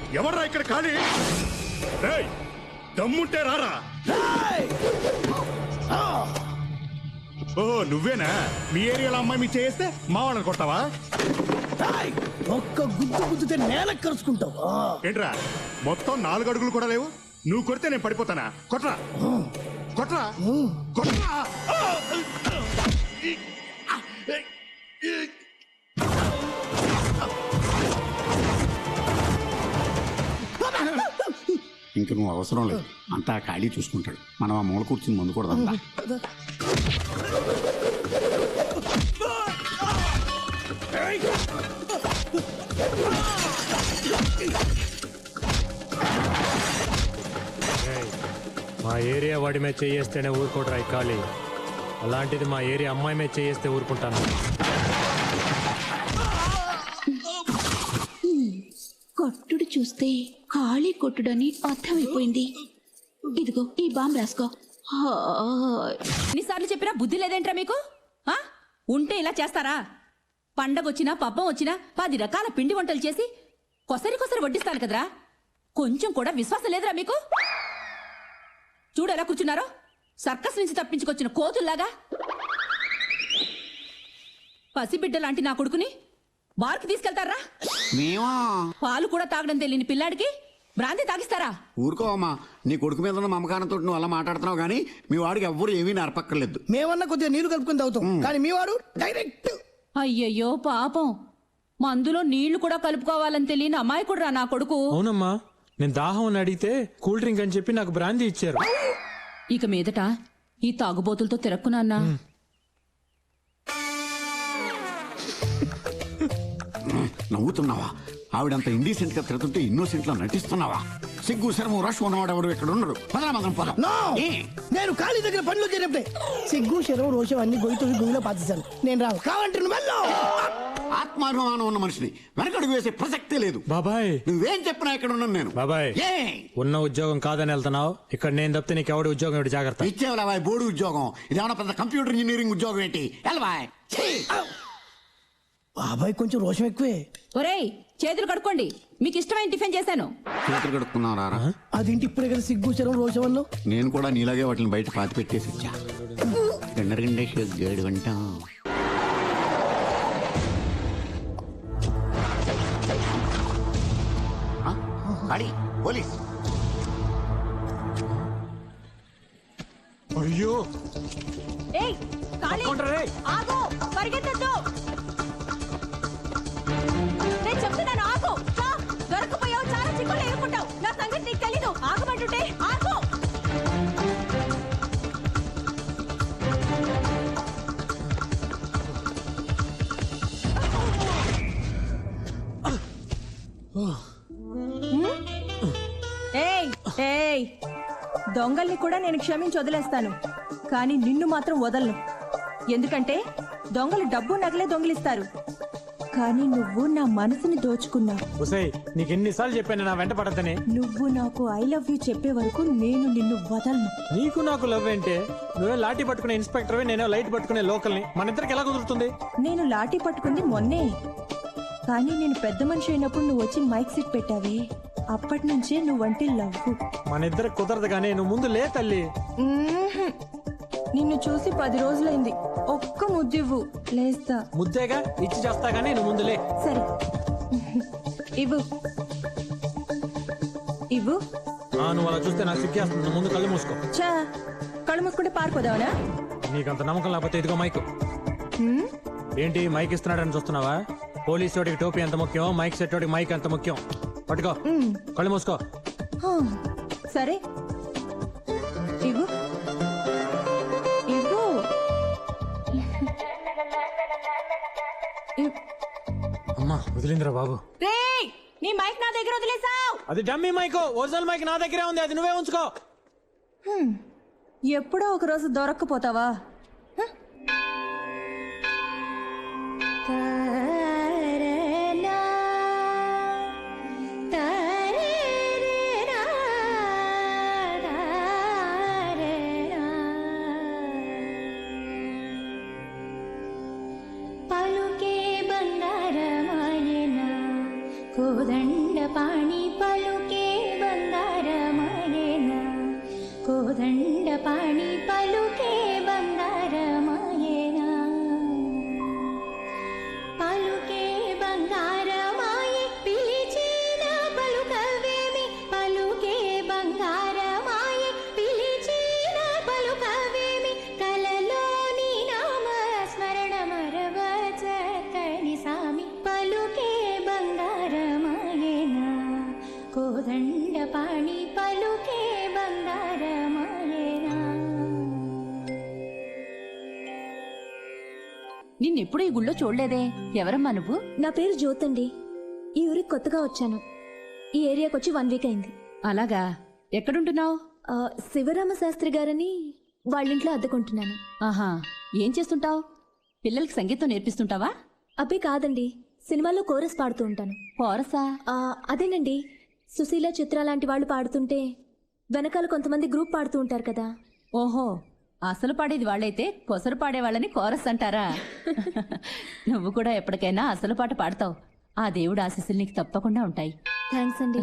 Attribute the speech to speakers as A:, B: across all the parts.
A: ఎవర్రా ఇక్కడ ఖాళీ? దమ్ముంటే రారా. ఓ నువ్వేనా? మీ ఏరియాలో అమ్మాయి మీ చేస్తే మా వాళ్ళని కొట్టావా?
B: ఒక్క గుద్దు గుద్దుతే నేల కరుచుకుంటావు.
A: ఏంట్రా మొత్తం 4 అడుగులు కూడా లేవు? నువ్వు కొడితే నేను పడిపోతానా? కొట్రా కొట్రా కొట్రా.
C: ఇంక నువ్వు అవసరం లేదు, అంతా ఖాళీ చూసుకుంటాడు. మనం ఆ మూల కూర్చుని ముందు కూడా
D: మా ఏరియా వాడి మీద చేయేస్తేనే ఊరుకోడరా ఖాళీ. అలాంటిది మా ఏరియా అమ్మాయి మీద చేయేస్తే ఊరుకుంటాను.
E: కొట్టుడు చూస్తే ఖాళీ కొట్టుడని అర్థమైపోయింది. ఇదిగో ఈ బాంబు రాసుకో.
F: ఎన్నిసార్లు చెప్పినా బుద్ధి లేదేంట్రా మీకు? ఉంటే ఇలా చేస్తారా? పండగొచ్చినా పబ్బం వచ్చినా 10 రకాల పిండి వంటలు చేసి కొసరి కొసరి వడ్డిస్తాను కదరా. కొంచెం కూడా విశ్వాసం లేదురా మీకు? చూడు ఎలా కూర్చున్నారో, సర్కస్ నుంచి తప్పించుకొచ్చిన కోతుల్లాగా. పసిబిడ్డ లాంటి నా కొడుకుని బార్కి తీసుకెళ్తారా? పాలు కూడా తాగడం తెలియని పిల్లాడికి బ్రాంతి తాగిస్తారా?
C: ఊరుకోవమ్మా, నీ కొడుకు మీద ఉన్న మమకారంతో నువ్వు అలా మాట్లాడుతున్నావు కానీ మీ వాడికి ఎవ్వరు ఏమీ నేర్పక్కర్లేదు.
B: మేమన్నా కొద్దిగా నీళ్లు కలుపుకొని తాగుతాం, కానీ మీ వాడు డైరెక్ట్.
F: అయ్యయ్యో పాపం, మందులో నీళ్లు కూడా కలుపుకోవాలని తెలియని అమాయకుడురా నా కొడుకు.
D: అవునమ్మా, నేను దాహం అని అడిగితే కూల్ డ్రింక్ అని చెప్పి నాకు బ్రాందీ ఇచ్చారు.
F: ఇక మీదట ఈ తాగుబోతులతో తిరక్కున్నా.
C: నవ్వుతున్నావా? ఆవిడంత ఇండీసెంట్ గా తిరుగుతుంటే ఇన్నోసెంట్ లా నటిస్తున్నావా? సిగ్గు శరము రష్ ఉన్నవాడు ఎవరు ఇక్కడ ఉండరు.
B: నేను ఖాళీ దగ్గర పనులు చేరేప్పుడే సిగ్గు శరం రోషం అన్ని గొయ్యి గొయ్యిలో పాతిస్తాను. నేను రావు కావంటే
C: ఆత్మాభిమానం ఉన్న మనిషిని వెనకడుగు వేసే ప్రసక్తే లేదు.
D: బాబాయ్
C: నువ్వేం చెప్పినా ఇక్కడ ఉన్నాను నేను.
D: బాబాయ్ ఉన్న ఉద్యోగం కాదని వెళ్తున్నావు. ఇక్కడ నేను తప్పితే నీకు ఎవడి ఉద్యోగం ఎవడి జాగ్రత్త.
C: ఇచ్చేవాళ్ళ బాయ్ బోర్డు ఉద్యోగం, ఇదేమన్నా పెద్ద కంప్యూటర్ ఇంజనీరింగ్ ఉద్యోగం ఏంటి? బాయ్
B: బాబాయ్ కొంచెం రోషం ఎక్కువే.
F: ఒరేయ్ చేతులు కడుక్కోండి, మీకు ఇష్టమైన టిఫిన్ చేశాను.
C: చేతులు కడుక్కున్నారా?
B: అదేంటి ఇప్పుడే కదా సిగ్గు శరం రోషం అన్నావు?
C: నేను కూడా నీలాగే వాటిని బయట పాతి పెట్టేసి వచ్చా. గేడు గంట పోలీస్.
D: అయ్యో
F: ఆగు, పరిగెత్తొద్దు. నేను చెప్తున్నాను ఆగు. దొరకపోయావు, చాలా చిక్కులు ఎదుర్కొంటావు. నా సంగతి నీకు తెలీదు. ఆగమంటుంటే ఆగు. దొంగల్ని కూడా నేను క్షమించి వదిలేస్తాను, కానీ నిన్ను మాత్రం వదలను. ఎందుకంటే దొంగలు డబ్బు నగలే దొంగిలిస్తారు, కానీ నువ్వు నా మనసుని దోచుకున్నావు.
D: నీకు ఎన్నిసార్లు చెప్పాను నా వెంట పడద్దని?
F: నువ్వు నాకు ఐ లవ్ యూ చెప్పే వరకు నేను నిన్ను వదలను.
D: నీకు నాకు లవ్ ఏంటే? నువ్వే లాఠీ పట్టుకునే ఇన్స్పెక్టర్, నేనే లైట్ పట్టుకునే లోకల్ని. మన ఇద్దరికి ఎలా కుదురుతుంది?
F: నేను లాఠీ పట్టుకుంది మొన్నే, కానీ నేను పెద్ద మనిషి అయినప్పుడు నువ్వు వచ్చి మైక్ సెట్ పెట్టావే, అప్పటి నుంచే నువ్వంటే లవ్.
D: మన ఇద్దరికి కుదరదు కానీ నువ్వు ముందు లే తల్లి.
F: నిన్ను చూసి 10 రోజులైంది. ఒక్క ముద్దివ్వు, లేస్తా.
D: ముద్దేగా ఇచ్చి చేస్తా గానీ నువ్వు ముందు లే.
F: సరే ఇవ్వు ఇవ్వు.
D: నువ్వు అలా చూస్తే నాకు సిగ్గేస్తుంది. ముందు కళ్ళు మూసుకో.
F: చా, కళ్ళు మూసుకుంటే పారిపోదావనా?
D: నీకంత నమ్మకం లేకపోతే ఇదిగో మైక్. ఏంటి మైక్ ఇస్తున్నాడని చూస్తున్నావా? పోలీసు వాడికి టోపీ ఎంత ముఖ్యం, మైక్ సెట్ వాడికి మైక్ ఎంత ముఖ్యం. పట్టుకో, కళ్ళు మూసుకో.
F: సరే ఇవ్వు ఇవ్వు.
D: అమ్మా వదిలిందిరా బాబు.
F: నీ మైక్ నా దగ్గర వదిలేసావు.
D: అది డమ్మీ మైక్, ఒరిజినల్ మైక్ నా దగ్గరే ఉంది, అది నువ్వే ఉంచుకో.
F: ఎప్పుడో ఒక రోజు దొరక్కపోతావా?
E: పలుకే బంగారమాయన కోదండ
G: కోదండపాణి పలుకే బంగారమాయేనా కోదండపాణి పలుకే బంగారమాయేనా పలుకే బంగారమాయే పిలిచిన పలుకవేమి పలుకే బంగారమాయే పిలిచిన పలుకవేమి కలలోని నామ స్మరణ మరవచక్కని సామి పలుకే బంగారమాయేనా కోదండపాణి పలుకే బంగారమాయేనా.
F: నిన్నెప్పుడు ఈ గుళ్ళో చూడలేదే, ఎవరమ్మా నువ్వు?
H: నా పేరు జ్యోతండి. ఈ ఊరికి కొత్తగా వచ్చాను. ఈ ఏరియాకి వచ్చి 1 వీక్ అయింది.
F: అలాగా, ఎక్కడుంటున్నావు?
H: శివరామ శాస్త్రి గారని వాళ్ళింట్లో అద్దెకుంటున్నాను.
F: ఆహా, ఏం చేస్తుంటావు? పిల్లలకి సంగీతం నేర్పిస్తుంటావా?
H: అబ్బే కాదండి, సినిమాలో కోరస్ పాడుతూ ఉంటాను.
F: కోరసా?
H: అదేనండి, సుశీల చిత్ర లాంటి వాళ్ళు పాడుతుంటే వెనకాల కొంతమంది గ్రూప్ పాడుతూ ఉంటారు కదా.
F: ఓహో, అసలు పాడేది వాళ్ళైతే కొసరు పాడేవాళ్ళని కోరస్ అంటారా? నువ్వు కూడా ఎప్పటికైనా అసలు పాట పాడతావు. ఆ దేవుడు ఆశీస్సులు నీకు తప్పకుండా ఉంటాయి.
H: థ్యాంక్స్ అండి.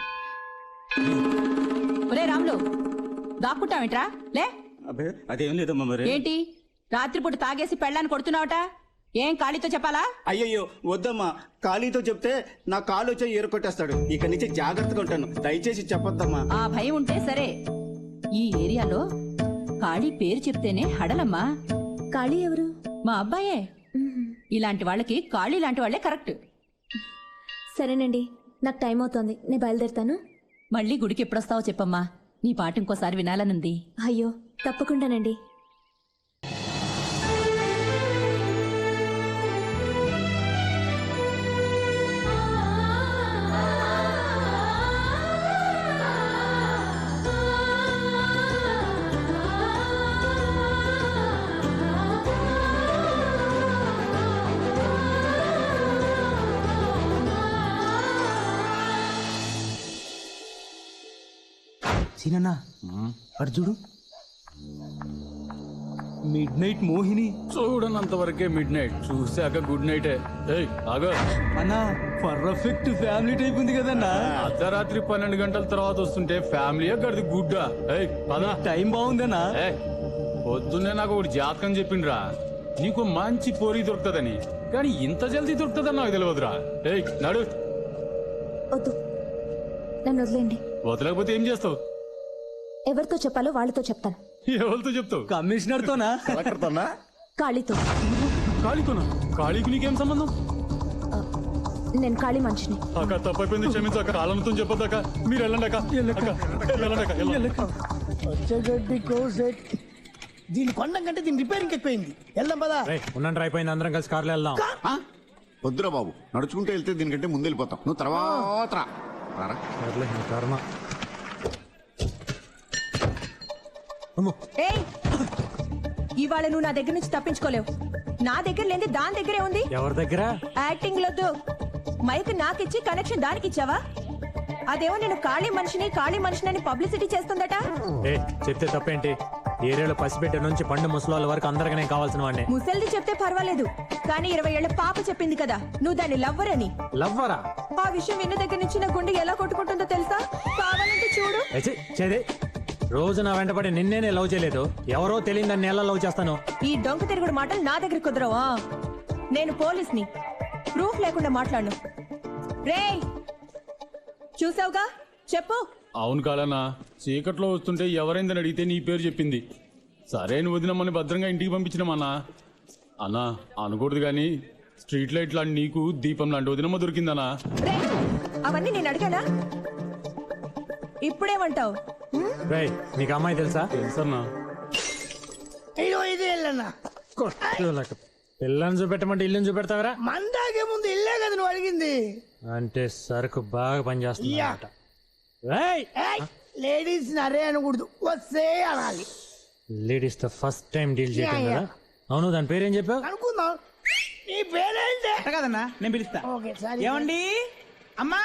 F: ఒరే రాములు, దాక్కుంటావేంట్రా? లే.
I: అబ్బే అదేం లేదమ్మా మరి.
F: ఏంటి రాత్రిపూట తాగేసి పెళ్ళాన్ని కొడుతున్నావట? ఏం ఖాళీతో చెప్పాలా?
I: అయ్యయ్యో వద్దమ్మా, ఖాళీతో చెప్తే నా కాలు వచ్చి ఏరుకొట్టేస్తాడు. ఇక నుంచి జాగ్రత్తగా ఉంటాను, దయచేసి చెప్పొద్దమ్మా.
F: ఆ భయం ఉంటే సరే. ఈ ఏరియాలో ఖాళీ పేరు చెప్తేనే హడలమ్మా.
H: కాళీ ఎవరు?
F: మా అబ్బాయే. ఇలాంటి వాళ్ళకి ఖాళీ లాంటి వాళ్ళే కరెక్ట్.
H: సరేనండి, నాకు టైం అవుతోంది, నేను బయలుదేరుతాను.
F: మళ్ళీ గుడికి ఎప్పుడొస్తావో చెప్పమ్మా, నీ పాట ఇంకోసారి వినాలనుంది.
H: అయ్యో తప్పకుండానండి.
J: సీనన్నా అర్జుడు మిడ్ నైట్ మోహిని
K: చూడనంత వరకే మిడ్ నైట్, చూసాక గుడ్ నైట్. ఆగో
J: అన్నా పర్ఫెక్ట్ ఫ్యామిలీ టైప్ ఉంది కదన్నా.
K: అర్ధరాత్రి 12 గంటల తర్వాత వస్తుంటే ఫ్యామిలీ గడిది గుడ్డా. పదా
J: టైం బాగుందన్నా.
K: పొద్దున్నే నాకు ఒకటి జాతకం చెప్పిండ్రా, నీకు మంచి పోరి దొరుకుతుందని. కానీ ఇంత జల్దీ దొరుకుతుందని నాకు తెలియదురా. నడు.
H: వద్దు, నన్ను వదిలేండి.
K: వదలకపోతే ఏం చేస్తావు?
H: ఎవరితో చెప్పాలో వాళ్ళతో చెప్తాను.
K: ఎవరితో చెప్తావు?
J: కమిషనర్ తోనా?
H: కాళీతో.
K: కాళీతోనా? కాళీకి నీకేం సంబంధం?
H: నేను కాళీ మనిషిని.
K: అక్క తప్పైపోయింది, క్షమించక. కాలంతో చెప్పొద్దాక. మీరు వెళ్ళండి అక్క.
B: వచ్చేగడ్డి కోసెట్. దీని కొండం కంటే దీని రిపేరింగ్ ఎక్కువైంది. వెళ్దాం పదా.
D: ఉన్నంటే అయిపోయింది, అందరం కలిసి కార్లో వెళ్దాం.
C: వద్దురా బాబు, నడుచుకుంటూ వెళ్తే దీనికంటే ముందు వెళ్ళిపోతాం. నువ్వు తర్వాత రారా.
D: సర్లే, నీ కర్మ. అమ్మో.
F: ఏయ్, ఇవాళ నువ్వు నా దగ్గర నుంచి తప్పించుకోలేవు. నా దగ్గర లేని దాని దగ్గరే ఉంది.
D: ఎవరి దగ్గర?
F: యాక్టింగ్ లొద్దు. మైక్ నాకిచ్చి కనెక్షన్ దానికి ఇచ్చావా? అదేమో నేను ఖాళీ మనిషిని పబ్లిసిటీ చేస్తుందట.
D: చెప్తే తప్పేంటి? ఏరియాలో పసిపెట్టే నుంచి పండు ముసలాళ్ళ వరకు అందరికీ నేను కావాల్సిన వాడిని.
F: ముసల్ది చెప్తే పర్వాలేదు, కానీ 20 ఏళ్ల పాప చెప్పింది కదా నువ్వు దాన్ని లవ్వర్ అని.
D: లవ్వరా?
F: ఆ విషయం విన్న దగ్గర నుంచి నా గుండె ఎలా కొట్టుకుంటుందో తెలుసా? కావాలంటే చూడు.
D: చేదే రోజు నా వెంటపడి నిన్నేనే లవ్ చేయలేదు, ఎవరో తెలియదు నన్ను ఎలా లవ్ చేస్తాను.
F: ఈ డొంక తిరుగుడు మాటలు నా దగ్గర కుదరవా? నేను పోలీస్ని, ప్రూఫ్ లేకుండా మాట్లాడను. రేయ్, చూసావుగా, చెప్పు.
K: అవును కాలన్నా, చీకట్లో వస్తుంటే ఎవరైందని అడిగితే నీ పేరు చెప్పింది. సరే నువ్వు వదినమ్మని భద్రంగా ఇంటికి పంపించినామన్నా. అన్నా అనకూడదు కానీ స్ట్రీట్ లైట్ లాంటి నీకు దీపం లాంటి వదినమ్మ దొరికిందన్నా.
F: రేయ్, అవన్నీ నేను అడిగానా? ఇప్పుడేమంటావు?
D: రేయ్, నీకు అమ్మాయి తెలుసా?
K: తెలుసన్నా.
B: ఇది వెళ్ళన్నా.
D: పిల్లని చూపెట్టమంటే ఇల్లుని చూపెడతావరా?
B: మందాకే ముందు ఇల్లే కదా నువ్వు అడిగింది.
D: అంటే సరుకు బాగా పనిచేస్తుంది.
B: లేడీస్ నరే అనకూడదు, వస్తే అనాలి.
D: లేడీస్ తో ఫస్ట్ టైం డీల్ చేయడం కదా. అవును, దాని పేరేం చెప్పావు?
B: అనుకుందాం. నీ పేరేంటే
J: కదన్నా, నేను పిలుస్తా.
B: ఓకే, సరే.
J: ఏమండి అమ్మా?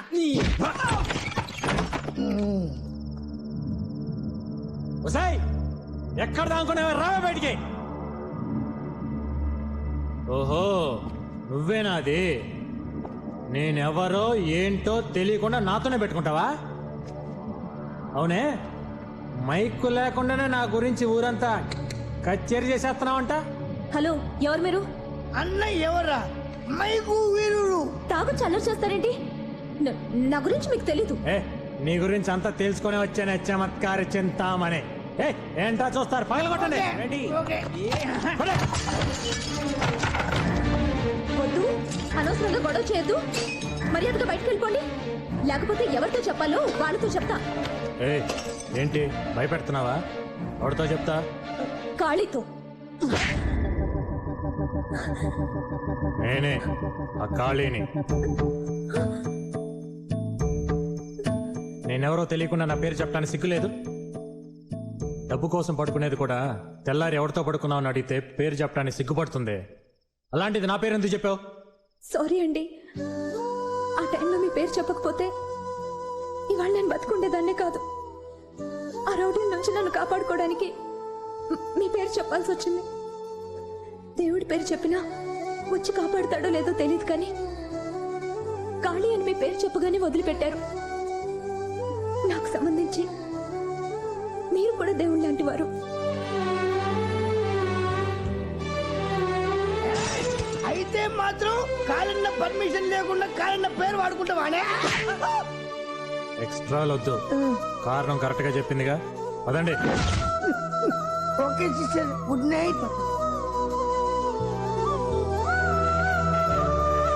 D: ఎక్కడ దానుకున్నావా? రావే బయటికి. ఓహో, నువ్వేనా అది? నేనెవరో ఏంటో తెలియకుండా నాతోనే పెట్టుకుంటావా? అవునే, మైక్ లేకుండానే నా గురించి ఊరంతా కచేరీ చేసేస్తున్నావంట.
H: హలో, ఎవరు మీరు?
B: అన్న ఎవర్రా? మైకు వీరుడు.
H: తాగు చల్లర చేస్తారేంటి? నా గురించి మీకు తెలీదు.
D: ఏ, నీ గురించి అంతా తెలుసుకొని వచ్చానే చమత్కార చింతామనే. ఏ, ఏంటా చూస్తారు? పగలగొట్టండి. రెడీ? పడే.
H: వద్దు, అనవసరంగా గొడవ చేయొద్దు. మర్యాదగా బయటకు వెళ్ళిపోండి, లేకపోతే ఎవరితో చెప్పాలో వాళ్ళతో చెప్తా.
D: ఏ, ఏంటి భయపెడుతున్నావా? ఎవరితో చెప్తా?
H: కాళీతో.
D: నేనే ఆ ఖాళీని. నేనెవరో తెలియకుండా నా పేరు చెప్పడానికి సిగ్గులేదు? డబ్బు కోసం పడుకునేది కూడా తెల్లారి ఎవరితో పడుకున్నావు అని అడిగితే పేరు చెప్పడానికి సిగ్గుపడుతుంది. అలాంటిది నా పేరు ఎందుకు చెప్పావు?
H: సారీ అండి, ఆ టైంలో మీ పేరు చెప్పకపోతే ఇవాళ నేను బతుకుండేదాన్నే కాదు. ఆ రౌడీల నుంచి నన్ను కాపాడుకోవడానికి మీ పేరు చెప్పాల్సి వచ్చింది. దేవుడి పేరు చెప్పినా వచ్చి కాపాడుతాడో లేదో తెలియదు, కానీ కాళీ అని మీ పేరు చెప్పగానే వదిలిపెట్టారు. నాకు సంబంధించి మీరు కూడా దేవుడు లాంటి వారు.
B: అయితే మాత్రం కాలన్న పర్మిషన్ లేకుండా కాలన్న పేరు వాడుకుంటావానే?
D: ఎక్స్ట్రా వద్దు, కారణం కరెక్ట్ గా చెప్పిందిగా. పదండి.
B: Okay sister, good night.